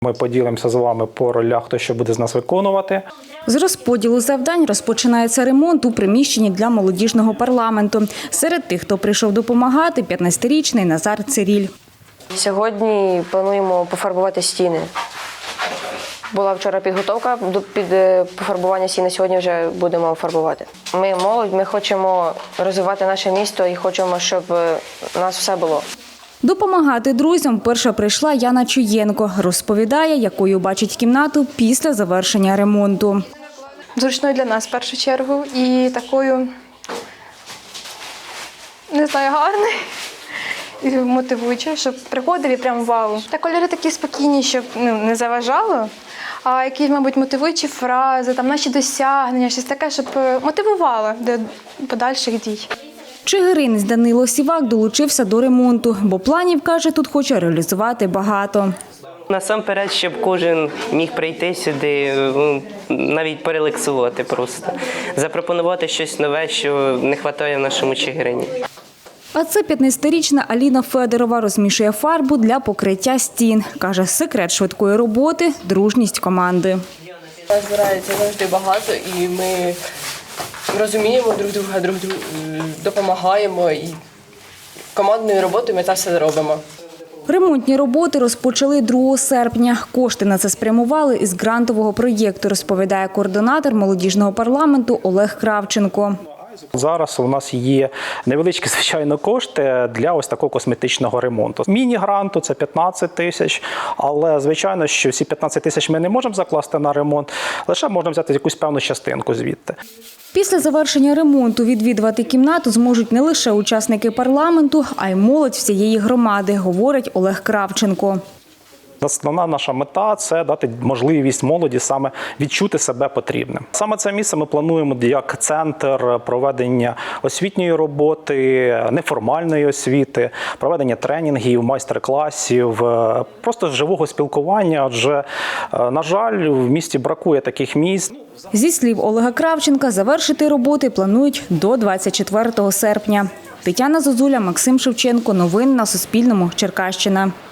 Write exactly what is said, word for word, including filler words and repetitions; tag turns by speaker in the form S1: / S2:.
S1: Ми поділимося з вами по ролях, хто що буде з нас виконувати.
S2: З розподілу завдань розпочинається ремонт у приміщенні для молодіжного парламенту. Серед тих, хто прийшов допомагати, п'ятнадцятирічний Назар Циріль.
S3: Сьогодні плануємо пофарбувати стіни. Була вчора підготовка до під пофарбування стіни, сьогодні вже будемо фарбувати. Ми молодь, ми хочемо розвивати наше місто і хочемо, щоб у нас все було.
S2: Допомагати друзям перша прийшла Яна Чуєнко. Розповідає, якою бачить кімнату після завершення ремонту.
S4: Зручною для нас в першу чергу і такою, не знаю, гарною і мотивуючою, щоб приходив і прям вау. Та кольори такі спокійні, щоб ну, не заважало, а якісь, мабуть, мотивуючі фрази, там наші досягнення, щось таке, щоб мотивувало до подальших дій.
S2: Чигиринець Данило Сівак долучився до ремонту, бо планів, каже, тут хоче реалізувати багато.
S5: Насамперед, щоб кожен міг прийти сюди, навіть порелаксувати просто. Запропонувати щось нове, що не вистачає в нашому Чигирині.
S2: А це п'ятнадцятирічна Аліна Федорова розмішує фарбу для покриття стін. Каже, секрет швидкої роботи – дружність команди.
S6: Нас збирається завжди багато і ми розуміємо друг друга, друг другу допомагаємо і командною роботою ми це все робимо.
S2: Ремонтні роботи розпочали другого серпня. Кошти на це спрямували із грантового проєкту, розповідає координатор молодіжного парламенту Олег Кравченко.
S1: Зараз у нас є невеличкі, звичайно, кошти для ось такого косметичного ремонту. Міні-гранту – це п'ятнадцять тисяч, але, звичайно, що всі п'ятнадцять тисяч ми не можемо закласти на ремонт, лише можна взяти якусь певну частинку звідти.
S2: Після завершення ремонту відвідувати кімнату зможуть не лише учасники парламенту, а й молодь всієї громади, говорить Олег Кравченко.
S1: Основна наша мета – це дати можливість молоді саме відчути себе потрібним. Саме це місце ми плануємо як центр проведення освітньої роботи, неформальної освіти, проведення тренінгів, майстер-класів, просто живого спілкування, адже, на жаль, в місті бракує таких місць.
S2: Зі слів Олега Кравченка, завершити роботи планують до двадцять четвертого серпня. Тетяна Зозуля, Максим Шевченко. Новини на Суспільному. Черкащина.